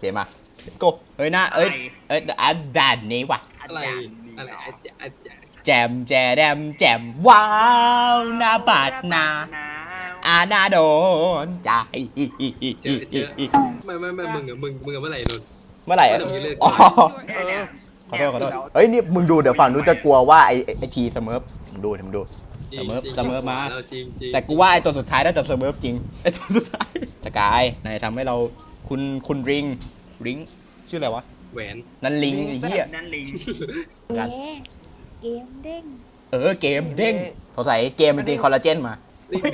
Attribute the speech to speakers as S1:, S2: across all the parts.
S1: เคมา let's go เฮ้ยนะด่านนี้ว่ะ
S2: อะไร
S1: แจมแจแดมแจมว้าวหน้าบาดนาอาณาโดนใจ
S2: เจอไม่มึงเมื่อไหร่นน
S1: เมื่อไหร่อ๋อขอโทษเฮ้ยนี่มึงดูเดี๋ยวฝั่งนู้นจะกลัวว่าไอทีเสมอมึงดูเสมอมาแต่กูว่าไอตัวสุดท้ายน่าจะเสมอจริงไอตัวสุดท้ายสกายนายทำให้เราคุณริงชื่ออะไรวะ
S2: แหวน
S1: นั่นลิงไอ้เหี้ย
S3: นั่นลิง
S1: กัน
S4: เกมเด้ง
S1: เกมเด้งเขาใส่เกมมันตีคอลลาเจนมาดึง
S4: ไอ้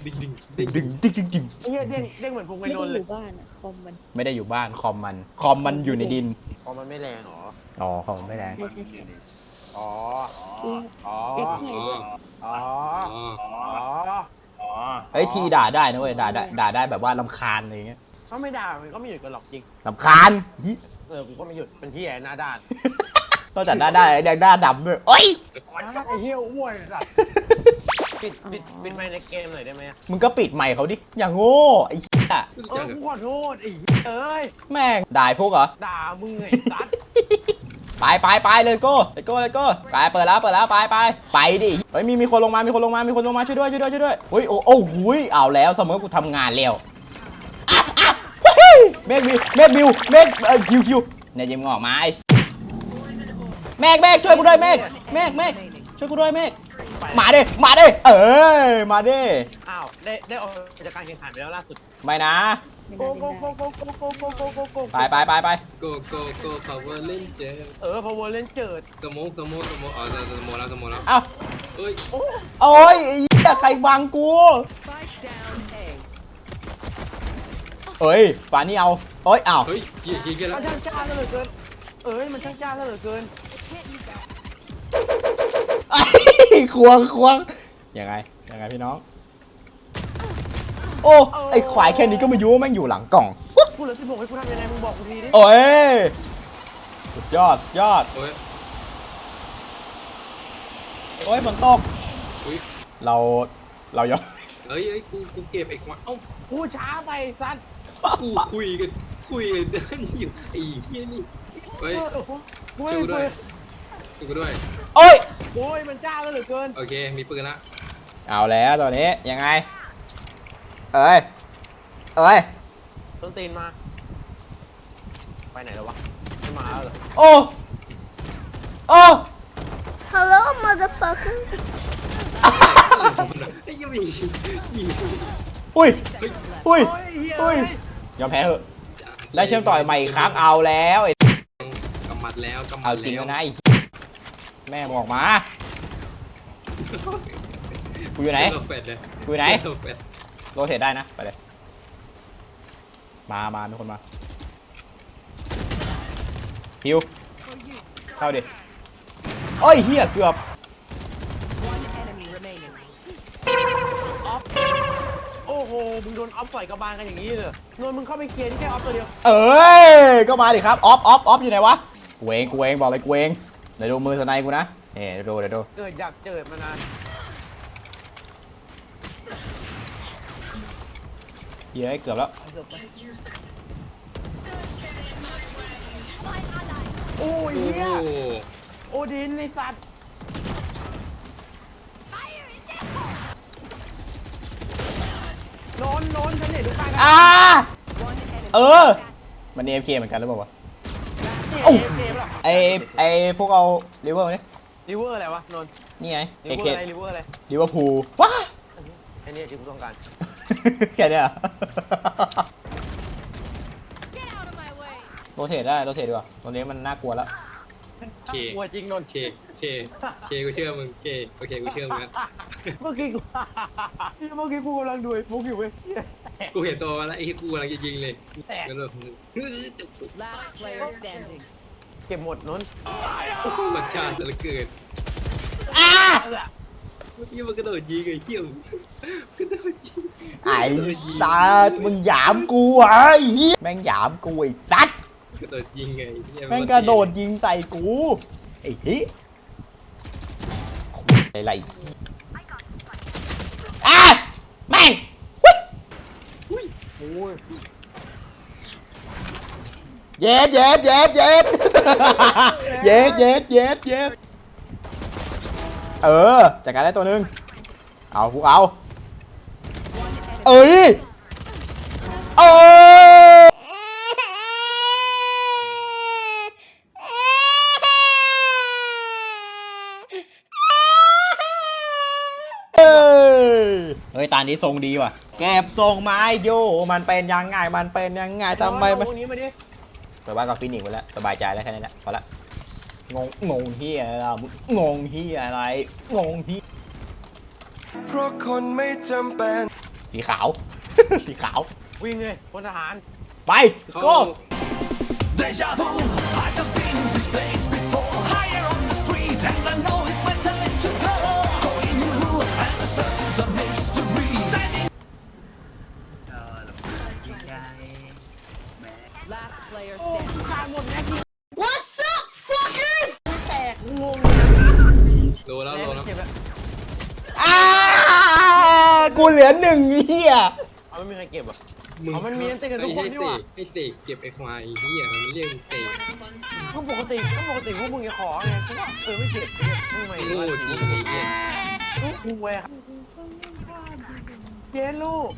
S4: เหี้ยเด้งเหมือนพวก
S3: ไม่
S4: ไม่
S3: ได้
S4: โดน
S3: อ
S4: เลย
S3: ยู่บ้านอะคอมมัน
S1: ไม่ได้อยู่บ้านคอมมันอยู่ในดิน
S4: อ๋อมันไม่แรงหรอ
S1: อ๋อคอมไม่แรง
S3: ไม่ใช่
S4: อ๋ออ๋อ
S3: เอ็กซ์ไง
S4: อ๋ออ๋อ
S1: เฮ้ยทีด่าได้นะเว้ยด่าได้แบบว่ารำคาญอะไรเงี้ย
S4: เขาไม่ด่ามันก็ไม่หยุดกันหรอกจริง
S1: รำคาญ
S4: กูก็ไม่หยุดเป็นที่แอนหน้าด้าน
S1: นอกจากด่าได้ยังด่าดำด้วยโอ๊ย
S4: ไอ้เหี้ยอ้วนสัตว์ปิดไมค์ในเกมหน่อยได้ไหม
S1: มึงก็ปิดไมค์เขาดิอย่างโง่ไอ้เหี้ย
S4: กูขอโทษไอ้เอ้ย
S1: แม่งด่าไอ้ฟุกเหรอ
S4: ด่ามึงไอ้สัตว์
S1: ไปเลยโก้ไปเปิดแล้วไปดิเฮ้ยมีคนลงมาช่วยด้วยเฮ้ยโอ้หุยเอาแล้วเสมอกูทำงานแล้วเมฆบิวคิวเนี่ยยิงออกมาไอ้เมฆช่วยกูด้วยเมฆช่วยกูด้วยเมฆมาดิมาดิ
S4: อ้าวได้ออกจากการแข่งขันไปแล้วล่าสุด
S1: ไม่นะ
S4: โก
S1: ไป
S2: โกpower ranger
S4: พอวอลเล่นเจิด
S2: สโมกอ๋อสโมกแล้ว
S1: เอ้า
S2: เอ้ย
S1: โอ้ยไอ้เหี้ยใครบังกูเอ้ยฝานี่เอาเอ้ยอ้าว
S2: เฮ้ยยิงกันแล้ว
S4: มันช่างจ้าเหลือเกินมันช่างจ้าเหลือเกิน
S1: ควงยังไงพี่น้องโอ้ไอควายแค่นี้ก็ไม่รู้ว่าแม่งอยู่หลังกล่อง
S4: กูเหลือ16ให้กูทำยังไงมึงบอกกูทีดิ
S1: โอ้ยสุดยอด
S2: โอ้ย
S1: โอ้ยฝนตกเรายอม
S2: เอ้ยกูเก็บไอ้ควายเอ้า
S4: กูช้าไปสัตว์
S2: กูคุยกันอยู่ไอ้เหี้ยนี่เฮ้ย
S4: กู
S2: ช่วยกู
S4: ไม่
S2: ด้วยช่วยกูด้วย
S1: โอ้ย
S4: โอ้ยมันจ้าเหลือเกิน
S2: โอเคมีปืนละ
S1: เอาแล้วตอนนี้ยังไงเอ้ย
S4: ต้นตีนมาไปไหนแล้ววะไม่มาแล้วเหรอ
S1: โอ้
S3: Hello motherfucker
S2: ไอ้ยังมียิง
S1: อุ้ย
S4: เฮ้ย
S1: ยอมแพ้เถอะได้เชื่อมต่อใหม่อีกครั้งเอาแล้วไอ้
S2: กำมัดแล้ว
S1: เอาจริงแล้วนะไอ้แม่บอกมากูอยู่ไหน กูอยู่ไหนโรเทตได้นะไปเลยมามีคนมาฮิวเข้าดิโอ้ยเฮียเกือบ
S4: โอ้โหมึงโดนออฟต่อยกระบาลกันอย่างนี้เลยนนมึงเข้าไปเคลียร์ที่แค่ออฟตัวเดียว
S1: เอ้ยก็มาดิครับออฟอยู่ไหนวะกูเองบอกเลยกูเองเดี๋ยวดูมือสไนกูนะเดี๋ยวดู
S4: เกิดอยากเจิดมานาน
S1: เฮียเกือบแล้ว
S4: โอ้ย
S2: โอ้
S4: เฮีย
S2: โห
S4: โอดินไอสัตว์นนฉันเห็นทุกการกัน
S1: มันAFKเหมือนกันหรือเปล่าวะ
S4: โอ้ยเกมหรอ
S1: ไอพวกเอาลิเวอร์มาดิ
S4: ริเวอร์อะไรวะนน
S1: นี่ไง
S4: ริเวอร์อะไรริเวอร์อะไร
S1: ลิเวอร์พูลว้า
S4: ไอ้เนี่ยที่กูต้องการ
S1: แค่เนี้ยโรเทตดีกว่าตรงนี้มันน่ากลัวแล้ว
S4: กลัวจริงนน
S2: เคกูเชื่อมึงโอเคกูเชื่อมึงนะ
S4: เมื่อกี้กูกำลังดูไอ้ฟุกอยู่เว้ย
S2: กูเห็นตัวมันแล้วไอ้กูกำลังจะยิงเลย
S4: แตก
S2: มันแบบ
S5: Last player standing.
S4: เก็บหมดนน
S2: มันชาติเหลือเกินเมื่อกี้มันกระโดดยิงไอ้เหี้ยกระโดดยิง
S1: ไอ้สัตว์มึงหยามกูไอ้เหี้ยแม่งหยามกูไอ้สัตว์
S2: กระโดดยิงไง
S1: แม่งกระโดดยิงใส่กูไอ้เหี้ยอะไรแม่ง
S4: โอ้ย
S1: เย็ดเย็ดเย็ดเย็ดเย็ดเย็ดเย็ดเย็ดจัดการได้ตัวหนึ่งเอาพวกเอาเอ้ยโอ้เฮ้ยตานี้ทรงดีว่ะเก็บทรงไม้โยมันเป็นยังไงมันเป็นยังไงทำไมมัน
S4: ตรงนี้มาดิ
S1: ไปว่ากับฟินิกส์ไปแล้วสบายใจแล้วแค่นั้นแหละพอละงงเฮียอะไรล่ะงงเฮียอะไรงงเฮีย
S6: เพราะคนไม่จำเป็น
S1: สีขาว สีขาว
S4: วิ่งเลยพลทหาร
S1: ไป
S2: เขา
S1: go
S6: Deja vu I just been in this place before Higher on the street and I know it's my time to go Going new and the search is a mystery Standing
S5: Last player standing.
S3: What's up fuckers แตกงง
S2: โลแล้วโลแล้ว
S4: เจ็บแล้ว
S1: กูเหลือหนึ่งเฮีย
S4: เอาไม่มีใครเก็บอ่ะ
S2: มึง
S4: เอามันมีอันเต้นกันทุกคนนี่หว่า
S2: ไอ้เตะเก็บไอ้ควายเหี้ยมันเรียกเตะ
S4: ก็ปกติพวกมึงจะขอไงกูว่าไม่เก็บมึงไม่
S2: โง่จริงไอ้เหี้ย
S4: กูแหวกเจนลูก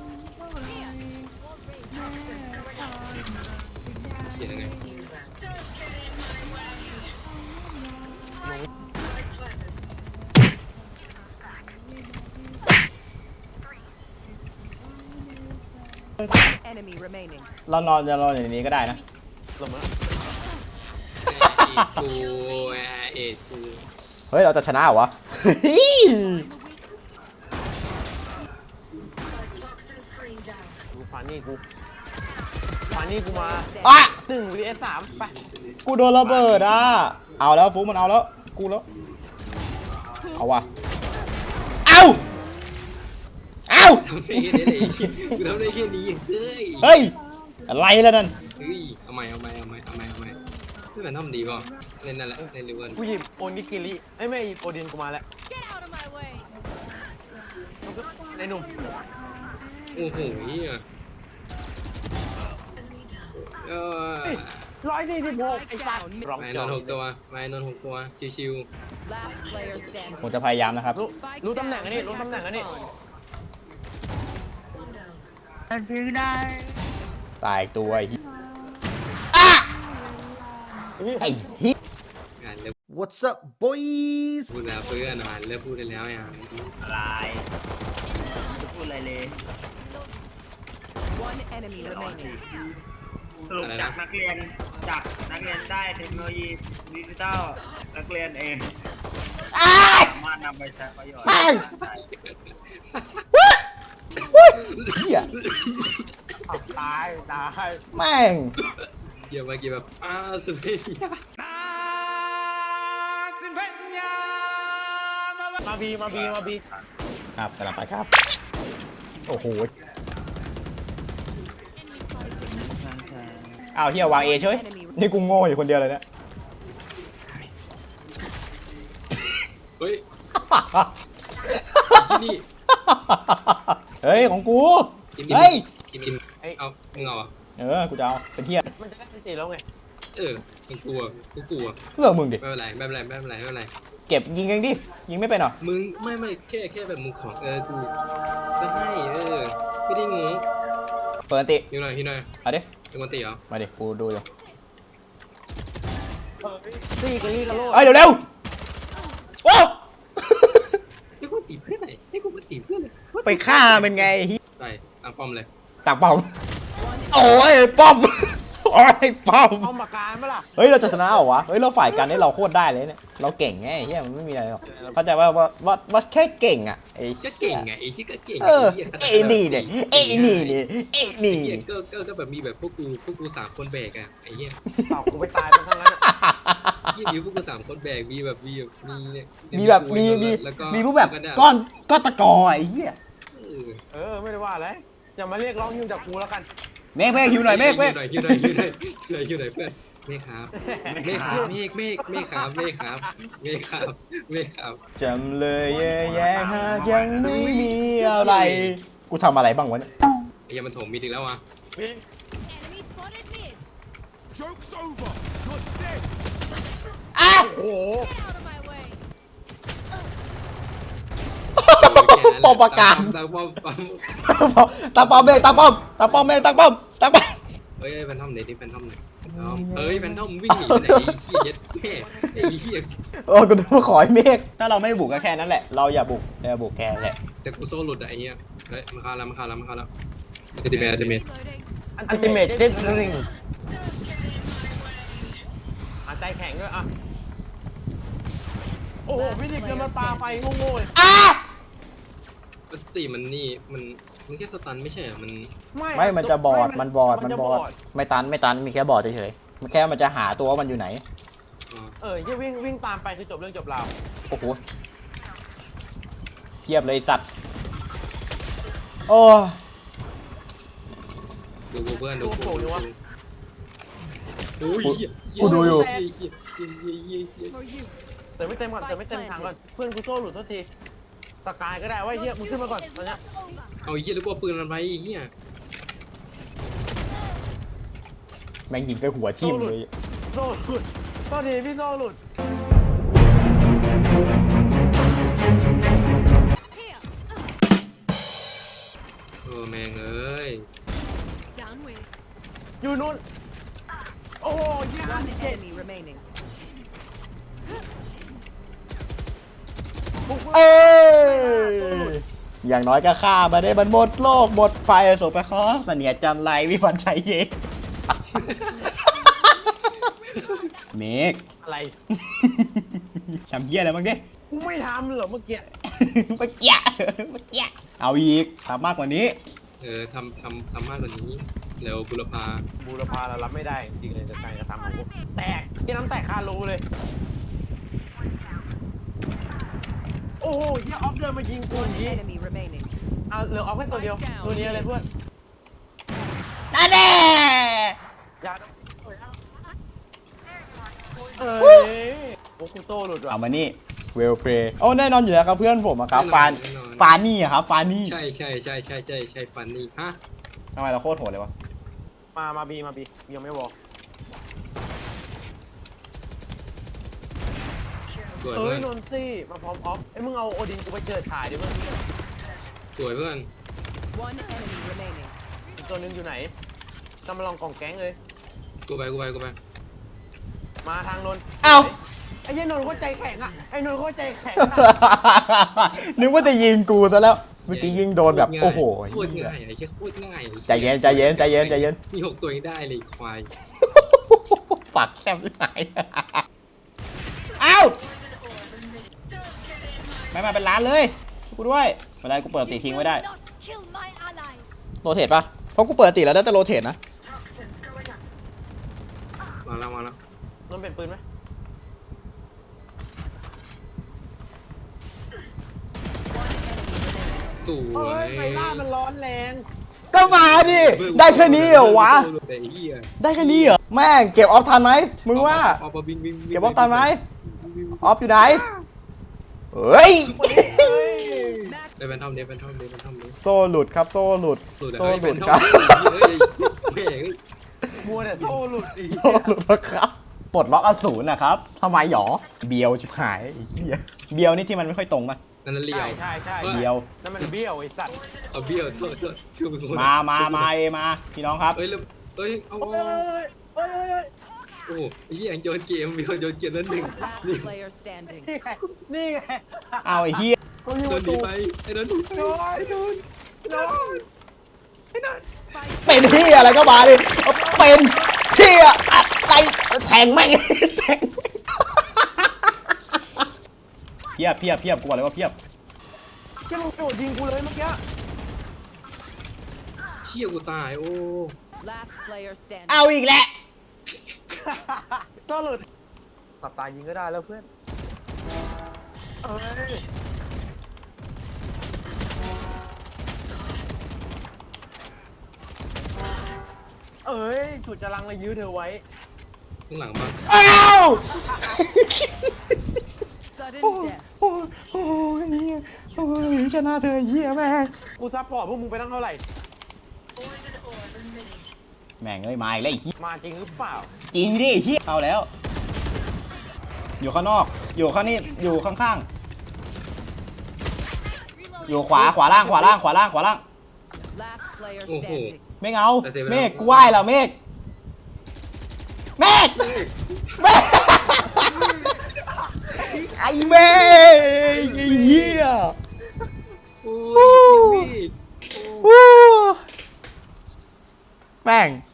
S2: เขียนยังไง
S5: Enemy remaining.
S1: เรานอนจะนอนอย่างนี้ก็ได้นะ
S4: หลบมา
S2: กูเอ็ดกู
S1: เฮ้ยเราจะชนะเหรอวะ
S4: กูผ่านนี่กูมา
S1: อ่ะ
S4: 1 vs 3ไป
S1: กูโดนระเบิดอ่ะเอาแล้วฟุกมันเอาแล้วกูแล้วเอาว่ะเอาเอา
S2: ทำได้แค่นี้เลยกูทำได้แค่นี้เฮ้ย
S1: เฮ้ยอะไรแล้วนั่น
S2: เฮ้ยเอาใหม่นี่มันทำดีป่ะเล่นนั่นแหละเล่นเร็วกัน
S4: กูหยิบโอนิกิริไม่หยิบโอดินกูมาแล้ว
S3: Get out of my way
S4: ในหนุ่ม
S2: โอ้โหเหี้ยเออ
S4: 146ไอ้สัตว์ร้อง
S2: ไม่
S4: จ
S2: น
S4: อ
S2: อนหกตัวไม่นอนหกตัวชิว
S5: Last player
S1: ผม
S5: standing.
S1: จะพยายามนะครับ
S4: รู้ตำแหน่งอันนี้รู้ตำแหน่งอันนี้
S1: ตายตัวไอ้เหี้ยอ่ะไอ้เหี้ย
S2: ๆงานเลิก
S7: What's up, boys?
S2: พูดแล้วเพื่อนอ่านเลิกพูดได้แล้วอย่าง
S5: One enemy remaining.
S8: สรุปจากนักเรียนได้เทคโนโลยีดิจิทัลนักเรียนเองสามารถนำไปใช้ประโยชน์
S1: แม่ง
S8: ได้
S1: เหี้ย
S4: ตาย
S1: แม่ง
S2: เกี่ยวมาเกี่ยวแบบสุดเลย
S4: มาบี
S1: ครับกำลังไปครับโอ้โหอ้าวเฮียวางเอเฉยนี่กูโง่อยู่คนเดียวเลยเนี่ย
S2: เฮ้ยนี่
S1: เฮ้ยของกู
S2: กิน
S1: เฮ้ย
S2: กินเอามึงเอาอ่ะ
S1: กูจะเอาเป็นเทีย
S4: มันจะได้ตีแล้วไง
S2: มึงกลัวกูกลัว
S1: เรื่องมึงดิ
S2: ไม่เป็นไร
S1: เก็บยิงเองดิยิงไม่เป็นหรอ
S2: มึงไม่แค่แบบมึงของกูก็ให้ไม่ได้งู
S1: เปิดอันติ
S2: อยู่หน่อย
S1: เอาดิ
S2: เป็นคนตีเหรอ
S1: มาดิกูดูอยู่
S4: ตีกันลี่กันโลด
S1: เอ้ยเร็วๆโอ้
S2: ให้กูตีเพื่อนไหนให้กูมาตีเพื่อนเลย
S1: ไปฆ่าเป็นไงเหี้ย
S2: ไปตามป้อมเลย
S1: ตักป้อมโอ้ยป้อมโอ้ยป้อม
S4: เอามาการไหมล่ะ
S1: เฮ้ยเราจะชนะเหรอวะเฮ้ยเราฝ่ายกันนี่เราโคตรได้เลยเนี่ยเราเก่งไงเฮียมันไม่มีอะไรหรอกเข้าใจว่าแค่เก่งอ่ะไอ้
S2: ก็เก่งไงไอ้ที่ก็เก่ง
S1: ไอ้นี่เนี่ยไอ้นี่เนี่ยไอ้นี่
S2: เหี้ย
S1: เนี่ย
S2: ก็แบบมีแบบพวกกูสามคนแบกอ่ะไอ้เหี้ย
S4: เต่ากูไปตายเป็นทั้งนั้น
S2: ยี่มีพวกกูสามคนแบกมีแบบมีเนี่ย
S1: มีแบบมี
S2: แล้วก็
S1: มีพวกแบบก้อนตะกอไอ้เหี้ย
S4: ไม่ได้ว่าอะไรอย่ามาเรียกร้องฮิวจากกูแล้วกัน
S1: เมฆหิวหน่อยเมฆ
S2: ฮิวหน่อยเพื่อนเมฆครับเมฆครับ
S1: จำเลยแย่หากยังไม่มีอะไรกูทำอะไรบ้างวะเนี่ย
S2: ไอ้ยังมันถมมีอีกแล้วอ่ะ
S3: Enemy spotted mid
S1: อ้าว
S4: โอ้โห
S3: Get out of my way.
S1: ปอมประกาศ
S2: ตาป้อม
S1: ตาป้อมเมฆตาป้อมตาป้อมเมฆตาป้อมตาป้อม
S2: เฮ้ยแฟนทอมไหนดิแฟนทอมไหนเฮ้ยแฟนทอมวิ่งหนีไปไหนไอ้เหี้ยเย็ดแม่ไอ้เหี้ย
S1: โอ้กูดูขอให้เมฆถ้าเราไม่บุกก็แค่นั้นแหละเราอย่าบุกแค่นั้นแหละ
S2: แต่กูโซ่หลุดอะไอ้เหี้ยเฮ้ยมันเข้าแล้วจะดีเมท
S3: Reloading.
S4: อันติเมทเจ็ดริงใจแข็งด้วยอ่ะโอ้โหพี่ดิบจะมาปาไฟโง่ๆเลย
S2: ปกติมันนี่มันแค่สตันไม่ใช่เหรอมัน
S1: ไม่มันจะบอดมันบอดไม่ตันมีแค่บอดเฉยๆมันแค่มันจะหาตัวว่ามันอยู่ไหน
S4: ยี่วิ่งตามไปคือจบเรื่องจบราว
S1: โอ้โหเทียบเลยไอ้สัตว์โอ้
S2: ดูเพื่อนดูกู
S1: กูดูอยู่
S4: เติมไม่เต็มก่อนเติมไม่เต็มถังก่อนเพื่อนกูโซ่หลุดทุกทีตะกายก็ได้ว่าเฮียมึงขึ้นมาก่อนตอนเนี้ย
S2: เอาไอ้เหี้ยแล้วกูเอาปืนมันไปไอ้เหี้ย
S1: แม่งยิงใส่หัวทิ่มเลย
S4: โซ่หลุดตอนนี้พี่โซ่หลุด
S2: แม่งเอ้ย
S3: Down with.
S4: อยู่นู่นโอ้โหยี่
S5: One
S4: 57
S5: enemy remaining.
S1: เอ้ยอย่างน้อยก็ฆ่ามาได้มันหมดโลกหมดไฟสุไปขอเสนียดจันไรวิพันธ์ชัยเย เมก
S4: อะไร
S1: ทำเหี้ยอะไรบ้างดิ
S4: กูไม่ทำเหรอเมื่อกี้
S1: เมื่อกี้เอาอีกทำมากกว่านี้
S2: ทำมากกว่านี้แล้วบุรพา
S4: บูรพาเรารับไม่ได้จริงๆเลยจะการกระทำของกูแตกที่น้ำแตกคารูเลยโอ้โหเฮียออฟเดินมายิงกูอย่างนี้
S5: Enemy remaining.
S4: เอาเหลือออฟแค่ตัวเดียวตัวนี้เลยเพื่อน
S1: นั่นแน่
S4: อย่าเอ้ยโอ้กูโต้หลุดว่ะ
S1: เอามานี่เวลเพลย์โอ้แน่นอนอยู่แล้วครับเพื่อนผมอะครับฟานี่อะครับฟานี่
S2: ใช่ฟันนี่ฮะ
S1: ทำไมเราโคตรโหดเลยวะ
S4: มาบียังไม่บอก
S2: สวย
S4: เอ้
S2: เพื่
S4: ย
S2: อน
S4: นนซี่มาพร้อมออฟไอ้ยมึงเอาโอดินกูไปเจอถ่ายดิเพื่อน
S2: สวยเพื่อน
S5: One enemy remaining.
S4: อีกตัวนึงอยู่ไหนกำลังลองกล่องแก๊งเลย
S2: กูไป
S4: มาทางนน
S1: เอ้า
S4: ไอ้เหี้ยนนท์เขาใจแข็งอ่ะไอ้นนท์เขาใจแข็งอ่ะ
S1: นึกว่าจะยิงกูซะแล้วเมื่อกี้ยิงโดนแบบโอ้โห
S2: โคตรง่ายไอ้เหี้ยโคตรง่าย
S1: ใจเย็น
S2: มี6ตัวยังได้เลยควาย
S1: ฝักแซ่บที่ไหนเอ้าไม่มาเป็นล้านเลยกูด้วยเวลากูเปิดตีทิ้งไว้ได้
S3: Not kill my allies.
S1: โรเทตปะเพราะกูเปิดตีแล้วได้แต่โรเทตนะ
S2: มาแล้ว
S4: นนท์เป็นปืนไหม
S2: ส
S4: เฮ้
S2: วย
S4: ยไฟล่ามันร้อนแรง
S1: ก็มาดิได้แค่นี้เหรอวะ
S2: ไอ้เหี้ย
S1: ได้แค่นี้เหรอแม่งเก็บออฟทันไหมมึงว่า
S2: ออกมาบิน
S1: เก็บออฟทันไหมออฟอยู่ไหนเฮ้ย
S2: ได้แฟนทอม
S1: โซ่หลุดครับโซ่หลุด
S2: สุด
S1: โซ่หลุด
S2: ค
S1: ค
S2: รั
S1: รั
S2: บบ แม่ง
S4: มัวแต่โซ่หลุดอีก
S1: โซ่หลุดแล้วครับปลดล็อกอสูรนะครับทำไมหรอเบียวชิบหายไอ้เหี้ยเบียวนี่ที่มันไม่ค่อยตรงป่ะ
S2: นั่นเลี้ยว
S4: ใช่
S1: เบียว
S4: นั่นมันเบี้ยวไอ้สัตว์
S2: เอาเบี้ยวโทษชื่อเป็นคน
S1: มาพี่น้องครับ
S2: เอ้ยเอา
S4: เอ้ย
S2: โอ้ไอ้เหี้ยโยนเกมมีคนโยนเกมนั้นหนึ่ง
S5: Last player standing.
S4: นี่ไง
S1: เอาไอ้เหี้ย
S4: เขาอยู่
S2: โด
S4: ป
S2: น
S4: ระ
S2: ดี
S4: ตู
S2: ไปไอ้นั้น
S4: โดน
S1: เป็นเหี้ยอะไรก็มาดิเอาเป็นเหี้ยอะไรแทงแม่งแทงเพียบกูบอกเลยว่าเพียบ
S4: เชี่ยมึงโดดยิงกูเลยเมื่อกี้
S2: เชี่ยกูตายโอ้
S5: Last player standing.
S1: เอาอีกแล้ว
S4: โซ่หลุดตับตายิงก็ได้แล้วเพื่อนเอ้ยฉุดจะลังเลยยื้อเธอไว้
S2: ข้างหลังบ้าง
S1: อ้าว
S5: Sudden
S1: โอ้
S5: death.
S1: โอ้เหี้ยโอ้ยชนะเธอเหี้ยแม่ง
S4: กูซัพพอร์ตพวกมึงไปตั้งเท่าไหร่
S1: แม่งเอ้ยมาอีกแล้วไอ้เหี้ย
S4: มาจริงหรือเปล่า
S1: จริงดิไอ้เหี้ยเอาแล้ว อยู่ข้างนอกอยู่ข้างนี้อยู่ข้างๆอยู่ขวาล่าง
S5: Last player
S2: Oh,
S5: standing.
S1: เมฆเอา
S2: แต่เสียเวลา
S1: เมฆกูไหว้แล้วเมฆไอ้เมฆไอ้เหี้ย
S2: โอ้ยพี่
S1: แม่ง